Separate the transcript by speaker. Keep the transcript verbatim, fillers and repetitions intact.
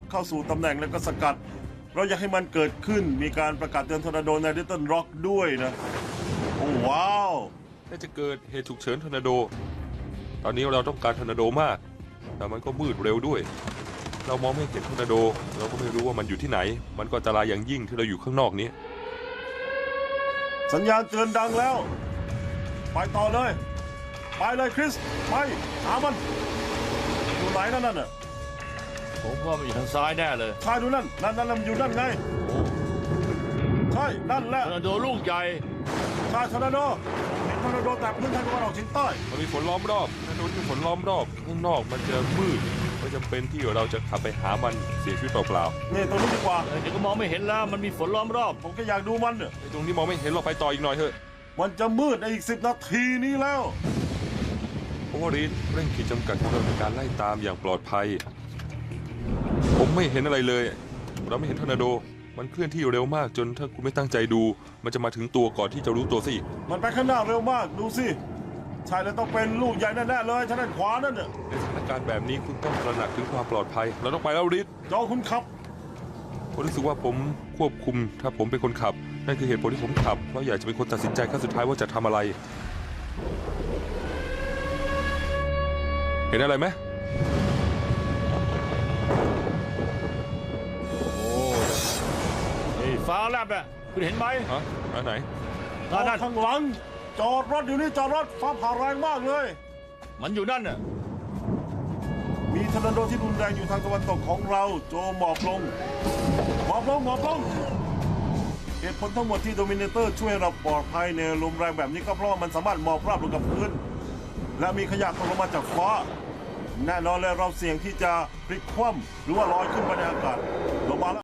Speaker 1: เข้าสู่ตำแหน่งแล้วก็สกัดเราอยากให้มันเกิดขึ้นมีการประกาศเตือนทอร์นาโดในลิตเติ้ลร็อกด้วยนะโอ้ว้าว
Speaker 2: น่าจะเกิดเหตุฉุกเฉินทอร์นาโดตอนนี้เราต้องการทอร์นาโดมากแต่มันก็มืดเร็วด้วยเรามองไม่เห็นทอร์นาโดเราก็ไม่รู้ว่ามันอยู่ที่ไหนมันก็อันตรายอย่างยิ่งที่เราอยู่ข้างนอกนี้
Speaker 1: สัญญาณเตือนดังแล้วไปต่อเลยไปเลยคริสไปหามันอยู่ไหนนั่นน่ะ
Speaker 3: ผมว่ามันอยู่ทางซ้ายแน่เลย
Speaker 1: ใช่ดูนั่นนั่นนั่นมันอยู่นั่นไงใช่นั่นแหละ
Speaker 3: ทอร์นาโดลูกใหญ่
Speaker 1: ใช่ทอร์นาโดเห็นทอร์นาโดแต่พื้นทางตะวันออกเฉียงใต้
Speaker 2: มันมีฝนล้อมรอบถนนมีฝนล้อมรอบข้างนอกมันจะมืดไม่จำเป็นที่เราจะขับไปหามันเสียชีวิตเปล่า
Speaker 1: นี่ตรงนี้ดีกว่า
Speaker 3: เดี๋ยวก็มองไม่เห็นแล้วมันมีฝนล้อมรอบ
Speaker 1: ผมก็อยากดูมันเนี่ย
Speaker 2: ๆไอ้ตรงนี้มองไม่เห็นเราไปต่ออีกหน่อยเถอะ
Speaker 1: มันจะมืดในอีกสิบนาทีนี้แล้ว
Speaker 2: โอวารีดเร่งขีดจำกัดของเราในการไล่ตามอย่างปลอดภัยผมไม่เห็นอะไรเลยเราไม่เห็นทอร์นาโดมันเคลื่อนที่เร็วมากจนถ้าคุณไม่ตั้งใจดูมันจะมาถึงตัวก่อนที่จะรู้ตัวซะอีก
Speaker 1: มันไปข้างหน้าเร็วมากดูสิใช่แล้วต้องเป็นลูกใหญ่แน่ๆเลยทางด้านขวานั่นน่ะ
Speaker 2: ในสถานการณ์แบบนี้คุณต้องตระหนักถึงความปลอดภัยเราต้องไปแล้วรีด
Speaker 1: จอคุณขับ
Speaker 2: ผมรู้สึกว่าผมควบคุมถ้าผมเป็นคนขับนั่นคือเหตุผลที่ผมขับเพราะอยากจะเป็นคนตัดสินใจขั้นสุดท้ายว่าจะทำอะไร เห็นอะไรไหม
Speaker 3: โอ้ไอ้ฟ้าแลบอ่ะคุณเห็นไหม
Speaker 2: ฮะอันไหน
Speaker 1: จอ
Speaker 3: นั่
Speaker 1: ด
Speaker 3: น
Speaker 1: ข้างหลัง จอดรถอยู่นี่จอดรถฟ้าผ่าแรงมากเลย
Speaker 3: มันอยู่นั่นน่ะ
Speaker 1: มีทอร์นาโดที่รุนแรงอยู่ทางตะวันตกของเราโจหมอบลงหมอบลงหมอบลงเหตุผลทั้งหมดที่โดมิเนเตอร์ช่วยเราปลอดภัยในลมแรงแบบนี้ก็เพราะว่ามันสามารถหมอบราบลงกับพื้น และมีขยะตกลงมาจากฟ้า แน่นอนเลยเราเสี่ยงที่จะพลิกคว่ำหรือว่าลอยขึ้นไปในอากาศ